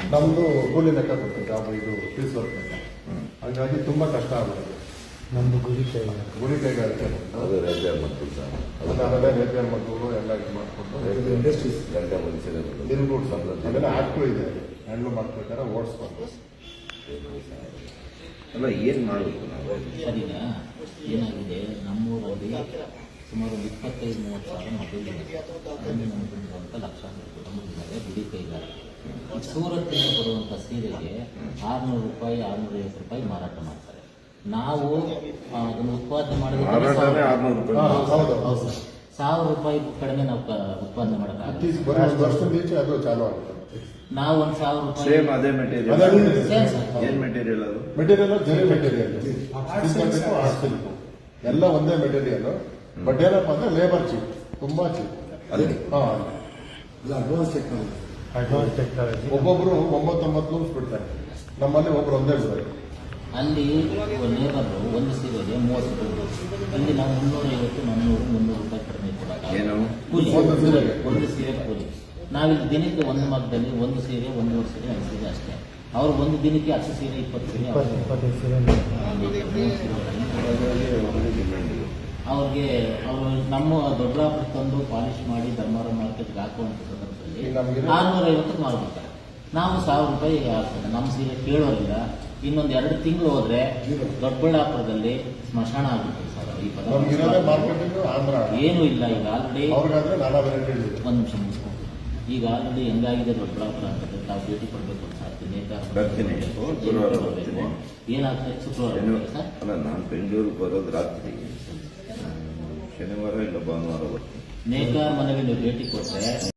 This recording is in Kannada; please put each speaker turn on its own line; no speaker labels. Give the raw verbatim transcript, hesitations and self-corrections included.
ನಮ್ಮದು ಕೂಲಿ ಲೆಕ್ಕ ಕೊಡ್ತೀವಿ ಜಾಬ್ ಇದು ಫೀಸ್ ವರ್ಕ್ ಲೆಕ್ಕ. ಹಾಗಾಗಿ ತುಂಬ ಕಷ್ಟ ಆಗುತ್ತೆ.
ನಮ್ಮದು ಗುರಿ ಕೈ
ಗುರಿ ಕೈಗಾರಿಕೆ
ಅದು ರಜೆ ಮತ್ತು
ಅದನ್ನೆಲ್ಲ ರೇಪಿಯರ್ ಮಕ್ಕಳು ಎಲ್ಲ ಇದು ಮಾಡಿಕೊಂಡು
ಇಂಡಸ್ಟ್ರೀಸ್ ಗಂಟೆ ಮನುಷ್ಯರೇ
ಇನ್ಕ್ಲೂಡ್ ಅದೆಲ್ಲ ಆ್ಯಕ್ಟು ಇದೆ ಹ್ಯಾಂಡ್ಲ್ ಮಾಡ್ಬೇಕಾದ್ರೆ ಓಡಿಸ್ಬಾರ್ದು.
ಅಲ್ಲ ಏನು ಮಾಡಬೇಕು ನಾವು
ಸರಿನಾ? ಏನಾಗಿದೆ ನಮ್ಮೂರಲ್ಲಿ ಸುಮಾರು ಇಪ್ಪತ್ತೈದು ಮೂವತ್ತು ಸಾವಿರ ಮಕ್ಕಳಿದ್ದಾರೆ. ನಮ್ಮಲ್ಲಿರುವಂಥ ಲಕ್ಷಾಂತರ ನಮ್ಮಲ್ಲಿದ್ದಾರೆ ಗುಡಿ ಕೈಗಾರಿಕೆ. ಸೂರತ್ತಿನ ಬರುವಂಥ ಸೀರೆಗೆ ಆರುನೂರು ರೂಪಾಯಿ ಆರುನೂರೈವತ್ತು ರೂಪಾಯಿ ಮಾರಾಟ ಮಾಡ್ತಾರೆ. ನಾವು ಅದನ್ನು ಉತ್ಪಾದನೆ ಮಾಡಿದ್ರೆ
ಆರ್ನೂರು ರೂಪಾಯಿ
ಹೌದು
ಸಾವಿರ ರೂಪಾಯಿ ಕಡಿಮೆ ನಾವು ಉತ್ಪಾದನೆ ಮಾಡೋಕ್ಕಾಗಲ್ಲ.
ವರ್ಷದ ಈಚೆ ಅದು ಚಾಲು ಆಗುತ್ತೆ.
ನಾವು ಒಂದು ಸಾವಿರ ರೂಪಾಯಿ
ಸೇಮ್ ಅದೇ ಮೆಟೀರಿಯಲ್.
Same sir.
ಏನು ಮೆಟೀರಿಯಲ್ ಅದು?
ಮೆಟೀರಿಯಲ್ ಜರಿ ಮೆಟೀರಿಯಲ್ ಎಲ್ಲ ಒಂದೇ ಮೆಟೀರಿಯಲ್. ಬಟ್ ಏನಪ್ಪ ಅಂದ್ರೆ ಲೇಬರ್ ಚೀಪ್, ತುಂಬಾ cheap.
Advance technology advance technology
ಒಬ್ಬೊಬ್ರು ಒಂಬತ್ತೊಂಬತ್ತು ಲೂಸ್ ಬಿಡ್ತಾರೆ, ನಮ್ಮಲ್ಲಿ ಒಬ್ರು ಒಂದೇ ಬಿಡ್ತಾರೆ.
ಅಲ್ಲಿ ಲೇಬರು ಒಂದು ಸೀರೆಗೆ ಮೂವತ್ತು ರೂಪಾಯಿ. ಇಲ್ಲಿ ನಾವು ಮುನ್ನೂರೈವತ್ತು ನಾನ್ನೂರು ಮುನ್ನೂರು ರೂಪಾಯಿ ಕಡಿಮೆ ಕೊಡೋದು
ಏನು
ಕೂಲಿ.
ಒಂದು ಸೀರೆಗೆ
ಒಂದು ಸೀರೆ ಕೂಲಿ. ನಾವಿಲ್ಲಿ ದಿನಕ್ಕೆ ಒಂದು ಮಗ್ಗದಲ್ಲಿ ಒಂದು ಸೀರೆ ಒಂದೂವರೆ ಸೀರೆ ಐದು ಸೀರೆ ಅಷ್ಟೇ. ಅವ್ರು ಒಂದು ದಿನಕ್ಕೆ ಹತ್ತು ಸೀರೆ ಇಪ್ಪತ್ತು ಸೀರೆ
ಇಪ್ಪತ್ತು ಇಪ್ಪತ್ತೈದು ಸೀರೆ
ಅವ್ರಿಗೆ ಅವರು ನಮ್ಮ ದೊಡ್ಡಬಳ್ಳಾಪುರ ತಂದು ಪಾಲಿಶ್ ಮಾಡಿ ಧರ್ಮಾರ ಮಾರ್ಕೆಟ್ಗೆ ಹಾಕುವಂಥ ಸಂದರ್ಭದಲ್ಲಿ ಆರುನೂರ ಐವತ್ತಕ್ಕೆ ಮಾರ್ಬಿಡ್ತಾರೆ. ನಾವು ಸಾವಿರ ರೂಪಾಯಿ ಆಗ್ತದೆ. ನಮ್ಮ ಸೀರೆ ಕೇಳೋರಿಲ್ಲ. ಇನ್ನೊಂದು ಎರಡು ತಿಂಗಳು ಹೋದ್ರೆ ದೊಡ್ಡಬಳ್ಳಾಪುರದಲ್ಲಿ ಸ್ಮಶಾನ ಆಗ್ಬಿಡ್ತದೆ ಸರ್. ಈ ಪದ ಏನೂ ಇಲ್ಲ. ಈಗ ಆಲ್ರೆಡಿ ಒಂದು ನಿಮಿಷ ಮುಗಿಸ್ಕೊಂಡು ಈಗ ಆಲ್ರೆಡಿ ಹೆಂಗಾಗಿದೆ ದೊಡ್ಡಬಳ್ಳಾಪುರ ಅಂತಂದ್ರೆ ತಾವು ಭೇಟಿ ಕೊಡಬೇಕು ಸಾಧ್ಯ ಏನಾಗ್ತದೆ ಶುಕ್ರವಾರ ಸರ್?
ಅಲ್ಲ, ನಾನು ಬೆಂಗಳೂರಿಗೆ ಬರೋದು ರಾತ್ರಿ, ಶನಿವಾರ ಇಲ್ಲ ಭಾನುವಾರ ಬರ್ತೀನಿ.
ನೇಕಾರ ಮನೆಗೆ ನೀವು ಭೇಟಿ ಕೊಟ್ಟರೆ